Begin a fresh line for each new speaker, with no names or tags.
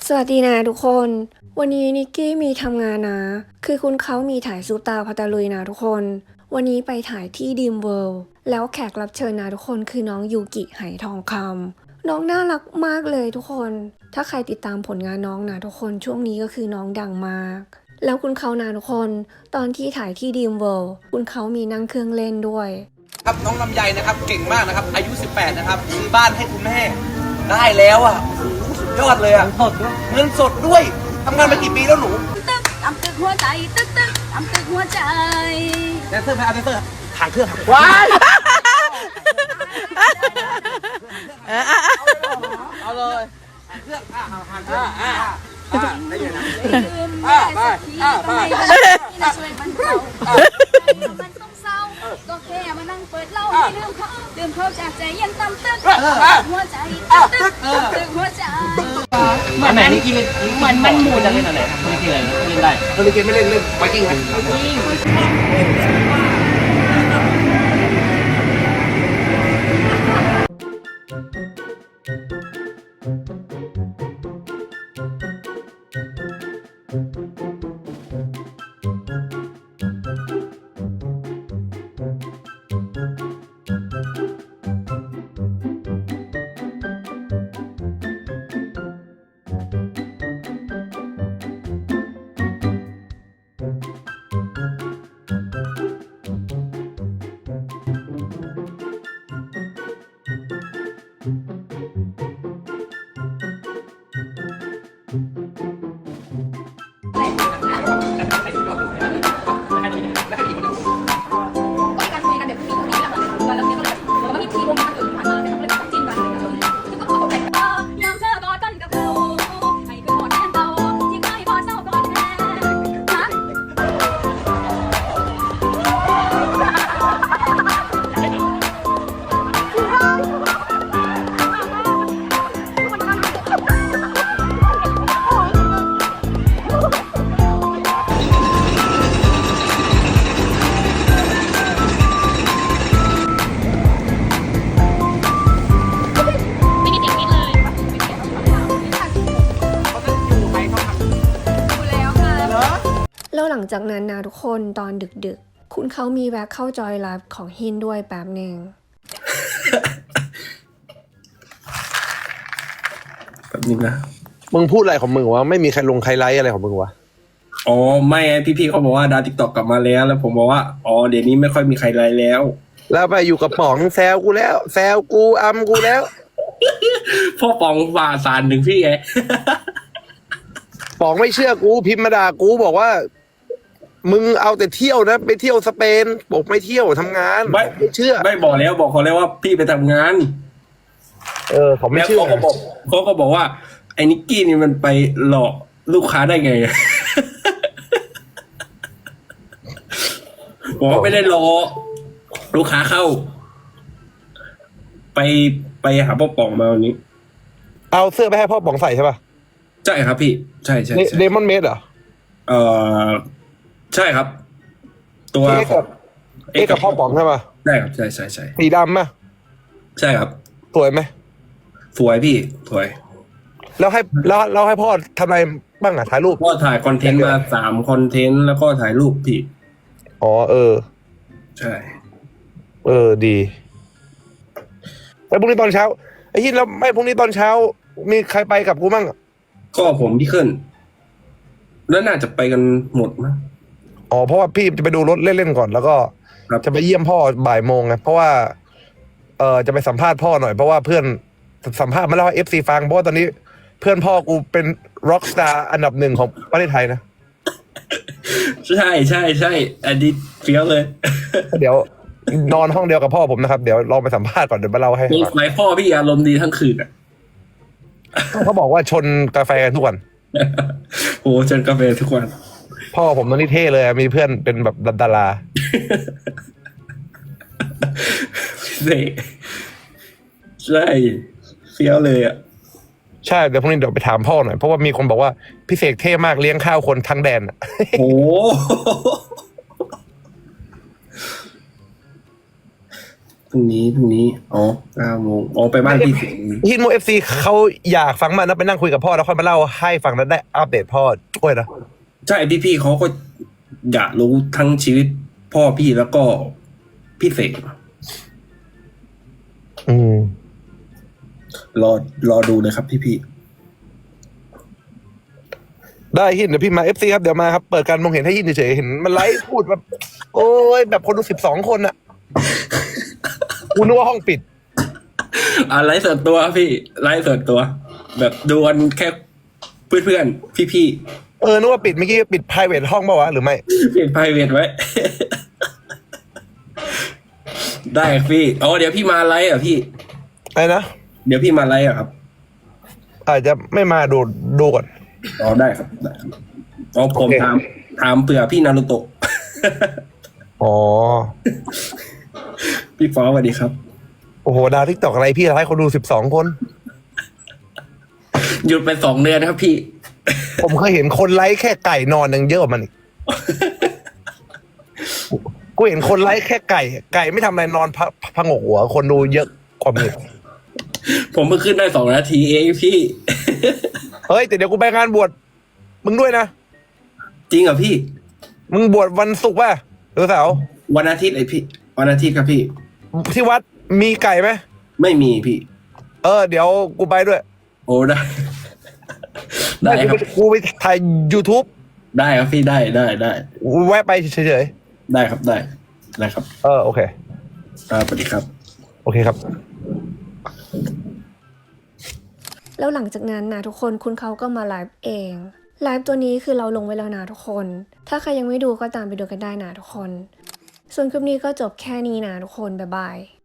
สวัสดีนะทุกคนวันนี้นิกกี้มีทำงานนะคือคุณเขามีถ่ายซูตาพัตาลุยนะทุกคนวันนี้ไปถ่ายที่ดีมเวิลด์แล้วแขกรับเชิญนะทุกคนคือน้องยูกิไหทองคำน้องน่ารักมากเลยทุกคนถ้าใครติดตามผลงานน้องนะทุกคนช่วงนี้ก็คือน้องดังมากแล้วคุณเขานะทุกคนตอนที่ถ่ายที่ดีมเวิลด์คุณเขามีนั่งเครื่องเล่นด้วย
ครับน้องลำไยนะครับเก่งมากนะครับอายุ18นะครับซื้อบ้านให้คุณแม่ได้แล้วอ่ะโอ้โหสุดยอดเลยอ่ะเงินสดด้วยทำงานมากี่ปีแล้วหนู
ตึกทำตึกหัวใจตึกทำตึกหัวใจ
แดนเซอร์ไหมเอาแดนเซอร์ทางเครื่องครับว้ายเอาเลยเครื่องทางเครื่องได้ยังไงไป
ช่วยมันเขามันต้องเศร้าก็แค่มานั่งเปิดเล่าให้ลืมเขาจากใจยังตำตึกหัวใจตึกหัวใจ
อันไหนนี่กินมันหมูจะเล่นอะไรไม่กินอะไรเล่นได้คนที่กินไม่เล่นไวกิ้งไหม
แล้วหลังจากนั้นนะทุกคนตอนดึกๆคุณเขามีแวะเข้าจอยไลฟ์ของฮินด้วยแป๊บหนึ่ง
แบบนี้นะ
มึงพูดอะไรของมึงวะไม่มีใครลงใครไลฟ์อะไรของมึงวะ
อ๋อไม่พี่เขาบอกว่าดาวติ๊กต็อกกลับมาแล้วผมบอกว่าอ๋อเดี๋ยวนี้ไม่ค่อยมีใครไลฟ์แล้ว
ไปอยู่กับป๋องแซวกูแล้วแซวกูอัมกูแล้ว
พ่อป๋องฝ่าสารถึงพี่ไง
ป๋องไม่เชื่อกูพิมพ์มาด่ากูบอกว่ามึงเอาแต่เที่ยวนะไปเที่ยวสเปนบอกไม่เที่ยวทำงานไม่เชื่อ
ไม่บอกแล้วบอกเขาแล้วว่าพี่ไปทำงาน
เขาไม่เชื่อ
เขาก็บอกว่าไอ้นิกกี้นี่มันไปหลอกลูกค้าได้ไงบอกว่าไม่ได้หลอกลูกค้าเข้าไปหาพ่อป๋องมาวันนี้
เอาเสื้อไปให้พ่อป๋องใส่ใช่ป่ะ
ใช่ครับพี่ใช่
เดมอนเมดเหรอ
ใช่ครับตัว
กับพ่อป๋องใช่ป่ะ
ใช่ครับใช่
สีดำป่ะ
ใช่ครับ
สวยไหม
สวยพี่สวย
แล้วให้พ่อทำอะไรบ้างถ่ายรูป
พ่อถ่ายคอนเทนต์มา3 คอนเทนต์แล้วก็ถ่ายรูปพี่
อ๋อ
ใช่
ดีแล้วพรุ่งนี้ตอนเช้าไอ้ฮินแล้วไม่พรุ่งนี้ตอนเช้ามีใครไปกับกูมั่ง
ก็ผมพี่ขึ้นแล้วน่าจะไปกันหมดมั้ง
อ๋อเพราะว่าพี่จะไปดูรถเล่นๆก่อนแล้วก็จะไปเยี่ยมพ่อบ่ายโมงไงเพราะว่าจะไปสัมภาษณ์พ่อหน่อยเพราะว่าเพื่อนสัมภาษณ์มาแล้วให้ FC ฟังเพราะว่าตอนนี้เพื่อนพ่อกูเป็นร็อกสตาร์อันดับ1ของประเทศไทยนะ
ใช่อันนี้เฟี้ยวเลย
เดี๋ยวนอนห้องเดียวกับพ่อผมนะครับเดี๋ยวลองไปสัมภาษณ์ก่อนเดี๋ยวมาเล่าให้
ฟังไหนพ่อพี่อารมณ์ดีทั้งคืนอ่ะ
เขาบอกว่าชนกาแฟทุกวัน
โอ้ชนกาแฟทุกวัน
พ่อผมตอนนี้เท่เลยมีเพื่อนเป็นแบบดารา
ใช่เฟี้ยวเลยอ่ะ
ใช่เดี๋ยวพรุ่งนี้เดี๋ยวไปถามพ่อหน่อยเพราะว่ามีคนบอกว่าพี่เสกเท่มากเลี้ยงข้าวคนทั้งแดน
โอ้พรุ่งนี้อ๋อ9 โมงอ๋อไปบ้านพี่
ฮินโมFC เขาอยากฟังมากนะไปนั่งคุยกับพ่อแล้วค่อยมาเล่าให้ฟังแล้วได้อัปเดตพ่อช่วยนะ
ใช่พี่เขาก็อยากรู้ทั้งชีวิตพ่อพี่แล้วก็พี่เสก
อืม
รอดูเลยครับพี่
ได้ฮินเดี๋ยวพี่มา FC ครับเดี๋ยวมาครับเปิดการมองเห็นให้ฮินเฉยๆเห็นมันไลฟ์พูดแบบโอ้ยแบบคนดู12 คนอะกูนึกว่าห้องปิด
ไลฟ์ส่วนตัวพี่ไลฟ์ส่วนตัว แบบดูกันแค่เพื่อนๆพี่
นึกว่าปิดเมื่อกี้ปิด private ห้องเปล่าวะหรือไม่
เปลี่ยนไพรเวทไว้ ได้ครับพี่อ๋อเดี๋ยวพี่มาไลฟ์อ่ะพี่
อะไรนะ
เดี๋ยวพี่มาไลฟ์อ่ะครับ
อาจจะไม่มาดูก่อน
อ๋อได้ครับอ๋อผม
โอเค
ถามเผื่อพี่นารุโตะ
อ๋อ
พี่ฟ้าสวัสดีครับ
โอ้โหดาวทิกตอกอะไรพี่ไลฟ์คนดู12 คน
หยุดไป2 เดือนครับพี่
ผมเคยเห็นคนไลฟ์แค่ไก่นอนยังเยอะกว่ามันอีก กูเห็นคนไลฟ์แค่ไก่ไม่ทำอะไรนอนพะงกหัว คนดูเยอะกว่ามึง
ผมเพิ่งขึ้นได้2 นาทีเองพี่
เฮ้ยแต่เดี๋ยวกูไปงานบวชมึงด้วยนะ
จริงเหรอพี่
มึงบวชวันศุกร์ป่ะหรือเสาร์
วันอาทิตย์ไอพี่วันอาทิตย์ครับพี่
ที่วัดมีไก่ไหม
ไม่มีพี่
เดี๋ยวกูไปด้วย
โอ้ได้ ได้ครับ
กูไปถ่าย YouTube
ได้ครับพี่ได้
แวะไปเฉย
ได้ครับได้ครับ
ๆโอเค
ครับสวัสดีครับ
โอเคครับ
แล้วหลังจากนั้นนะทุกคนคุณเขาก็มาไลฟ์เอง ไลฟ์ตัวนี้คือเราลงไว้แล้วนะทุกคน ถ้าใครยังไม่ดูก็ตามไปดูกันได้นะทุกคน ส่วนคลิปนี้ก็จบแค่นี้นะทุกคน บ๊ายบาย